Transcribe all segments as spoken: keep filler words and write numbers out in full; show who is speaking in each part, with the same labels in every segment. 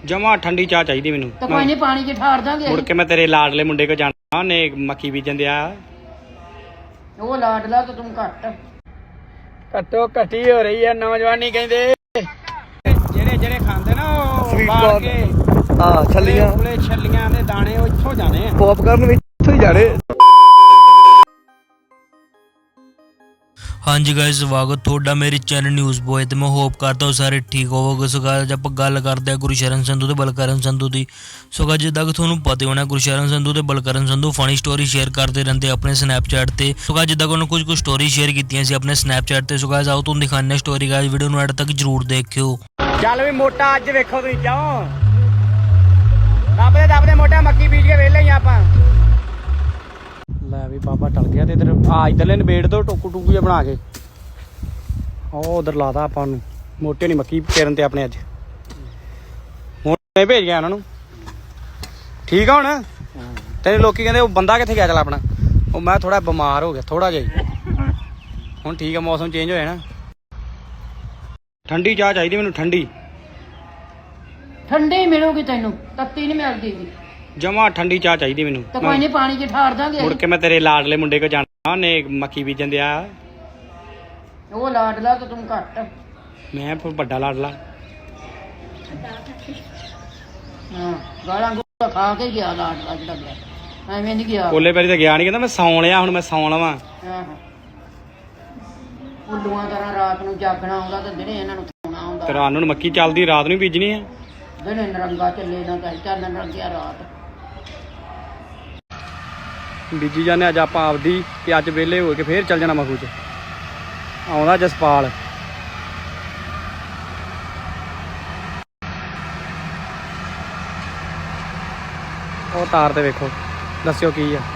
Speaker 1: ਜਮਾ ਠੰਡੀ ਚਾਹ ਚਾਹੀਦੀ ਮੈਨੂੰ।
Speaker 2: ਤਾਂ ਕੋਈ ਨਹੀਂ ਪਾਣੀ 'ਚ ਠਾੜ ਦਾਂਗੇ।
Speaker 1: ਮੁੜ ਕੇ ਮੈਂ ਤੇਰੇ ਲਾਡਲੇ ਮੁੰਡੇ ਕੋ ਜਾਣਾ, ਉਹਨੇ ਮੱਕੀ ਬੀਜਣ ਦਿਆ।
Speaker 2: ਉਹ ਲਾਡਲਾ ਤਾਂ ਤੂੰ ਘੱਟ
Speaker 1: ਘੱਟੋ ਘੱਟੀ ਹੋ ਰਹੀ ਹੈ ਨੌਜਵਾਨੀ ਕਹਿੰਦੇ। ਜਿਹੜੇ ਜਿਹੜੇ ਖਾਂਦੇ ਨਾ ਉਹ ਬਾਹਰ ਕੇ
Speaker 3: ਹਾਂ ਛੱਲੀਆਂ
Speaker 1: ਉਹਲੇ ਛੱਲੀਆਂ ਦੇ ਦਾਣੇ ਉਹ ਇੱਥੋਂ ਜਾਣੇ ਆ।
Speaker 3: ਪੌਪਕਾਰਨ ਵੀ ਇੱਥੋਂ ਹੀ ਜਾਣੇ।
Speaker 4: हाँ जी गाइस, स्वागत थोड़ा मेरे चैनल न्यूज़ बॉय। तो मैं होप करता हूँ सारे ठीक होवोगे। सो गाइस आप गल करते हैं गुरशरण संधू ते बलकरण संधू की। सो गाइस जिद्दां कि तुहानूं पता होना गुरशरण संधू ते Balkaran Sandhu funny story share करते रहते अपने स्नैपचैट ते। सो गाइस जिद्दां कि उन्होंने कुछ कुछ स्टोरी शेयर कीतियां सी अपने स्नैपचैट ते। सो गाइस आओ तुहानूं दिखाने स्टोरी। गाइस वीडियो नूं एंड तक जरूर देखियो।
Speaker 1: ਚੱਲ ਵੀ ਮੋਟਾ ਅੱਜ ਵੇਖੋ ਤੁਸੀਂ ਕਿਉਂ ਦੱਬਦੇ ਦੱਬਦੇ ਮੋਟਾ ਮੱਕੀ ਬੀਜ ਕੇ ਵੇਲੇ ਹੀ ਆਪਾਂ। ਲੈ ਵੀ ਬਾਬਾ ਟਲ ਗਿਆ ਤੇ ਇਧਰ ਆ ਇਧਰਲੇ ਨਵੇੜ ਤੋਂ ਟੋਕੂ ਟੂਕੂ ਜਿਹਾ ਬਣਾ ਕੇ ਉਹ ਉਧਰ ਲਾਦਾ ਆਪਾਂ ਨੂੰ। ਮੋਟੇ ਨਹੀਂ ਮੱਕੀ ਪੇਰਨ ਤੇ ਆਪਣੇ ਅੱਜ ਹੁਣ ਭੇਜ ਗਿਆ ਉਹਨਾਂ ਨੂੰ। ਠੀਕ ਆ ਹੁਣ ਤੇਰੇ ਲੋਕੀ ਕਹਿੰਦੇ ਉਹ ਬੰਦਾ ਕਿੱਥੇ ਗਿਆ ਚੱਲ ਆਪਣਾ। ਉਹ ਮੈਂ ਥੋੜਾ ਬਿਮਾਰ ਹੋ ਗਿਆ ਥੋੜਾ ਜਿਹਾ। ਹੁਣ ਠੀਕ ਆ, ਮੌਸਮ ਚੇਂਜ ਹੋਇਆ ਨਾ। ਠੰਡੀ ਚਾਹ ਚਾਹੀਦੀ ਮੈਨੂੰ, ਠੰਡੀ
Speaker 2: ਠੰਡੀ ਮਿਲੂਗੀ ਤੈਨੂੰ, ਤੱਤੀ ਨਹੀਂ ਮਿਲਦੀ ਜੀ।
Speaker 1: ਜਮਾ ਠੰਡੀ ਚਾਹ ਚਾਹੀਦੀ ਮੈਨੂੰ।
Speaker 2: ਤਾਂ ਕੋਈ ਨਹੀਂ ਪਾਣੀ 'ਚ ਠਾੜ ਦਾਂਗੇ।
Speaker 1: ਮੁੜ ਕੇ ਮੈਂ ਤੇਰੇ ਲਾਡਲੇ ਮੁੰਡੇ ਕੋ ਜਾਣਾ, ਉਹਨੇ ਮੱਕੀ ਬੀਜਣ ਦਿਆ।
Speaker 2: ਉਹ ਲਾਡਲਾ ਤਾਂ ਤੂੰ ਘੱਟ
Speaker 1: ਮੈਂ ਫਿਰ ਵੱਡਾ ਲਾਡਲਾ।
Speaker 2: ਹਾਂ ਗਾਲਾਂ ਗੂਲਾਂ ਖਾ ਕੇ ਗਿਆ ਲਾਡਲਾ ਜਿਹੜਾ ਗਿਆ, ਐਵੇਂ ਨਹੀਂ ਗਿਆ।
Speaker 1: ਕੋਲੇ ਪੈਰੀ ਤਾਂ ਗਿਆ ਨਹੀਂ, ਕਹਿੰਦਾ ਮੈਂ ਸੌਂ ਲਿਆ ਹੁਣ ਮੈਂ ਸੌਂ ਲਵਾਂ।
Speaker 2: ਆਹੋ ਉੱਲੂਆਂ ਤਰ੍ਹਾਂ ਰਾਤ ਨੂੰ ਜਾਗਣਾ ਆਉਂਦਾ ਤੇ ਦਿਨੇ ਇਹਨਾਂ ਨੂੰ ਸੌਣਾ ਆਉਂਦਾ।
Speaker 1: ਤੇ ਰਾਤ ਨੂੰ ਮੱਕੀ ਚੱਲਦੀ, ਰਾਤ ਨੂੰ ਬੀਜਣੀ ਆ।
Speaker 2: ਦਿਨੇ ਨਰੰਗਾ ਚੱਲੇ ਨਾ ਤਾਂ ਚੱਲ ਨਰੰਗਿਆ ਰਾਤ
Speaker 1: ਬੀਜੀ ਜਾਂਦੇ ਅੱਜ ਆਪਾਂ ਆਪਦੀ। ਤੇ ਅੱਜ ਵਿਹਲੇ ਹੋ ਕੇ ਫੇਰ ਚੱਲ ਜਾਣਾ ਮਖੂ ਚ। ਆਉਂਦਾ ਜਸਪਾਲ। ਉਹ ਤਾਰ ਤੇ ਵੇਖੋ, ਦੱਸਿਓ ਕੀ ਆ।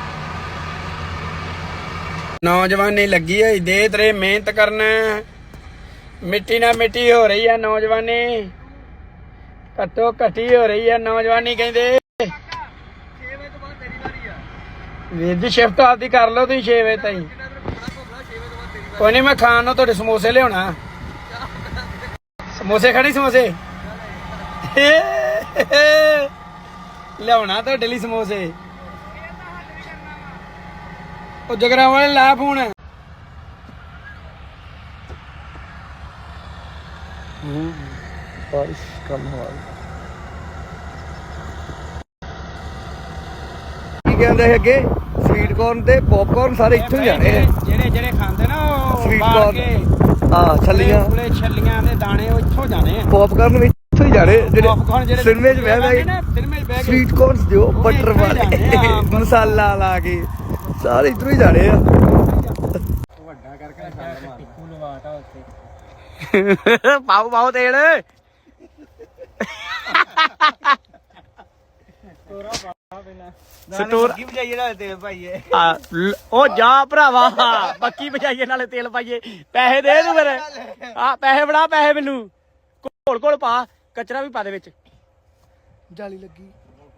Speaker 1: ਨੌਜਵਾਨੀ ਲੱਗੀ ਹੋਈ ਦੇ ਤੇਰੇ ਮਿਹਨਤ ਕਰਨ, ਮਿੱਟੀ ਨਾਲ ਮਿੱਟੀ ਹੋ ਰਹੀ ਆ ਨੌਜਵਾਨੀ। ਘੱਟੋ ਘੱਟੀ ਹੋ ਰਹੀ ਆ ਨੌਜਵਾਨੀ ਕਹਿੰਦੇ। ਵੀਰ ਜੀ ਸ਼ਿਫਟ ਆਪਦੀ ਕਰ ਲਓ ਤੁਸੀਂ ਛੇ ਵਜੇ ਤਾਈਂ। ਕੋਈ ਨਹੀਂ ਮੈਂ ਖਾਣ ਨੂੰ ਤੁਹਾਡੇ ਸਮੋਸੇ ਲਿਆਉਣਾ। ਸਮੋਸੇ ਖਾਣੀ, ਸਮੋਸੇ ਲਿਆਉਣਾ ਤੁਹਾਡੇ ਲਈ ਸਮੋਸੇ। ਉਹ ਜਗਰਾ ਵਾਲੇ ਲਾ ਫੋਨ। ਹੂੰ ਬਾਰਿਸ਼ ਕਮ ਹੋਈ।
Speaker 3: ਕੀ ਕਹਿੰਦੇ ਅੱਗੇ ਸਵੀਟ ਕੋਰਨ ਤੇ ਪੌਪਕਾਰਨ ਸਾਰੇ ਇੱਥੋਂ ਹੀ ਜਾਣੇ ਆ।
Speaker 1: ਜਿਹੜੇ ਜਿਹੜੇ ਖਾਂਦੇ ਨਾ ਉਹ
Speaker 3: ਸਵੀਟ
Speaker 1: ਬਾਹਰ ਕੇ
Speaker 3: ਕੋਰਨ ਹਾਂ ਛੱਲੀਆਂ
Speaker 1: ਉਹਲੇ ਛੱਲੀਆਂ ਦੇ ਦਾਣੇ ਉਹ ਇੱਥੋਂ ਜਾਣੇ ਆ।
Speaker 3: ਪੌਪਕਾਰਨ ਵੀ ਇੱਥੋਂ ਹੀ ਜਾਣੇ।
Speaker 1: ਪੌਪਕਾਰਨ
Speaker 3: ਜਿਹੜੇ
Speaker 1: ਜਿਹੜੇ
Speaker 3: ਸਿਨੇਮੇ 'ਚ ਬਹਿ ਬਹਿ
Speaker 1: ਸਿਨੇਮੇ 'ਚ ਬਹਿ ਕੇ
Speaker 3: ਸਵੀਟ ਕੋਰਨ ਦਿਓ ਬਟਰ ਵਾਲੇ ਮਸਾਲਾ ਲਾ ਕੇ ਸਾਰੇ ਇੱਧਰੋਂ ਹੀ ਜਾਣੇ ਆ।
Speaker 1: ਵੱਡਾ ਕਰਕੇ ਟਿੱਕੂ ਲਵਾਤਾ ਉੱਤੇ। ਪਾਉ ਪਾਉ ਤੇਲ। ਸਟੋਰ ਕੀ ਵਜਾਈਏ ਨਾਲੇ ਤੇਲ ਪਾਈਏ। ਉਹ ਜਾ ਭਰਾਵਾ ਬੱਕੀ ਵਜਾਈਏ ਨਾਲੇ ਤੇਲ ਪਾਈਏ। ਪੈਸੇ ਦੇ ਤੂੰ ਮੇਰੇ। ਆ ਪੈਸੇ ਫੜਾ, ਪੈਸੇ ਮੈਨੂੰ ਘੋਲ ਘੋਲ ਪਾ, ਕਚਰਾ ਵੀ ਪਾ ਦੇ ਵਿੱਚ।
Speaker 3: ਜਾਲੀ ਲੱਗੀ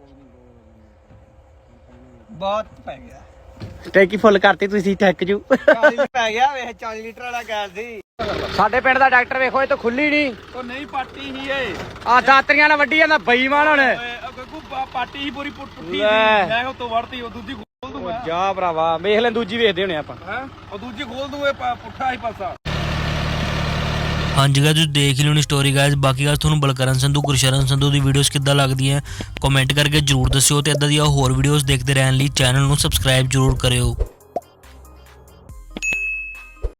Speaker 1: ਬਹੁਤ ਪੈ ਗਿਆ। ਟੈਂਕੀ ਫੁੱਲ ਕਰਤੀ ਤੁਸੀਂ ਠੱਕ ਜੂ।
Speaker 3: ਚਾਲੀ ਪੈ ਗਿਆ ਵੇਖ ਚਾਲੀ ਲੀਟਰ ਵਾਲਾ ਗੈਸ ਦੀ।
Speaker 1: ਸਾਡੇ ਪਿੰਡ ਦਾ ਡਾਕਟਰ ਵੇਖੋ ਇਹ ਤਾਂ ਖੁੱਲੀ ਨਹੀਂ।
Speaker 5: ਉਹ ਨਹੀਂ ਪਾਟੀ ਹੀ ਏ
Speaker 1: ਆ ਦਾਤਰੀਆਂ ਨਾਲ ਵੱਢੀ ਜਾਂਦਾ ਬੇਈਮਾਨ ਹੁਣ।
Speaker 5: ਗੱਗੂ ਪਾਟੀ ਹੀ ਪੂਰੀ ਪੁੱਠੀ ਸੀ।
Speaker 1: ਲੈ।
Speaker 5: ਮੈਂ ਉਹ ਤੋਂ ਵੜਤੀ ਉਹ ਦੂਜੀ ਖੋਲ
Speaker 1: ਉਹ
Speaker 5: ਦੂੰਗਾ।
Speaker 1: ਜਾ ਭਰਾਵਾ ਵੇਖ ਲੈ, ਦੂਜੀ ਵੇਖਦੇ ਹੋਣੇ ਆਪਾਂ।
Speaker 5: ਹੈ ਉਹ ਦੂਜੀ ਖੋਲ ਦੂੰਗੇ ਪੁੱਠਾ ਹੀ ਪਾਸਾ।
Speaker 4: हाँ जी गाइस देख ही लो स्टोरी गाइस। बाकी गाइस तुहानूं बलकरण संधू गुरशरण संधू दी वीडियोस किद्दां लगदियां कमेंट करके जरूर दस्सिओ ते इदां दी होर वीडियोस देखदे रहण लई चैनल नूं सबसक्राइब जरूर करियो।